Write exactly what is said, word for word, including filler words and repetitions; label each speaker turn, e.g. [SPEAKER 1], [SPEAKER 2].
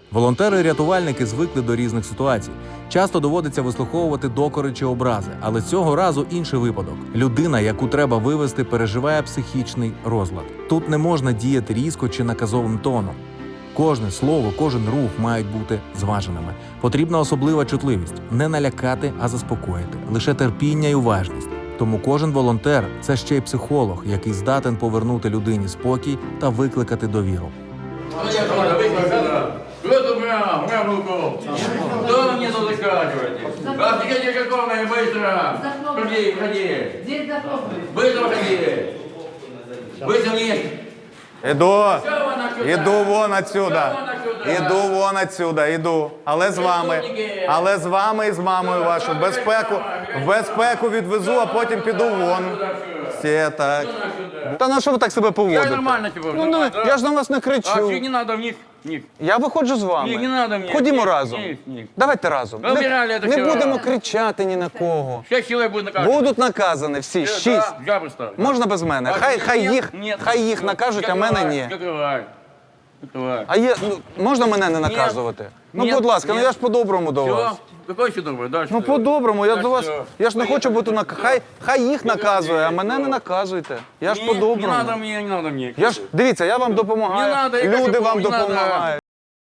[SPEAKER 1] Волонтери-рятувальники звикли до різних ситуацій. Часто доводиться вислуховувати докори чи образи, але цього разу інший випадок. Людина, яку треба вивезти, переживає психічний розлад. Тут не можна діяти різко чи наказовим тоном. Кожне слово, кожен рух мають бути зваженими. Потрібна особлива чутливість – не налякати, а заспокоїти. Лише терпіння і уважність. Тому кожен волонтер – це ще й психолог, який здатен повернути людині спокій та викликати довіру.
[SPEAKER 2] Кто-то прям, прям руку. Кто мне тут закатываете? Отходите какого-то быстро. Ходи, ходи.
[SPEAKER 3] Здесь захлопнули.
[SPEAKER 2] Быстро ходи. Быстро вниз.
[SPEAKER 4] Іду, іду вон отсюда, іду вон отсюда, іду. Але з вами, але з вами і з мамою вашу. Безпеку, в безпеку відвезу, а потім піду вон. Все так. Та на що ви так себе
[SPEAKER 2] Я
[SPEAKER 4] поводите?
[SPEAKER 2] нормально типа.
[SPEAKER 4] Ну, ну, я ж на вас не
[SPEAKER 2] А
[SPEAKER 4] кричу.
[SPEAKER 2] не надо вниз. Вниз.
[SPEAKER 4] Я виходжу з вами.
[SPEAKER 2] Ні, не надо мені.
[SPEAKER 4] Ходімо
[SPEAKER 2] Ні,
[SPEAKER 4] разом.
[SPEAKER 2] ні, ні.
[SPEAKER 4] Давайте разом.
[SPEAKER 2] Ви обирали
[SPEAKER 4] Не,
[SPEAKER 2] це
[SPEAKER 4] не
[SPEAKER 2] все.
[SPEAKER 4] будемо кричати ні на кого.
[SPEAKER 2] Шесть человек будет наказано.
[SPEAKER 4] Будуть наказані всі, шість.
[SPEAKER 2] Я представлю.
[SPEAKER 4] Можна без мене? Хай, хай їх,
[SPEAKER 2] Ні,
[SPEAKER 4] хай їх накажуть, а мене ні.
[SPEAKER 2] Закривай. Закривай.
[SPEAKER 4] А є, ну, можна мене не наказувати? Ну,
[SPEAKER 2] Ні,
[SPEAKER 4] будь ласка, ну
[SPEAKER 2] ні.
[SPEAKER 4] я ж по-доброму до
[SPEAKER 2] Все?
[SPEAKER 4] вас.
[SPEAKER 2] Какой еще добрый? Дальше.
[SPEAKER 4] Ну, по-доброму, я
[SPEAKER 2] Так
[SPEAKER 4] до вас,
[SPEAKER 2] що?
[SPEAKER 4] я ж не хочу бути на... Хай, хай їх наказує, а мене не
[SPEAKER 2] Ні.
[SPEAKER 4] наказуйте. Я ж
[SPEAKER 2] Не, не надо
[SPEAKER 4] по-доброму.
[SPEAKER 2] мне, не надо мне.
[SPEAKER 4] Я ж, дивіться, я вам допомагаю,
[SPEAKER 2] Не надо, я
[SPEAKER 4] люди
[SPEAKER 2] кажу,
[SPEAKER 4] вам
[SPEAKER 2] не надо.
[SPEAKER 4] допомагають.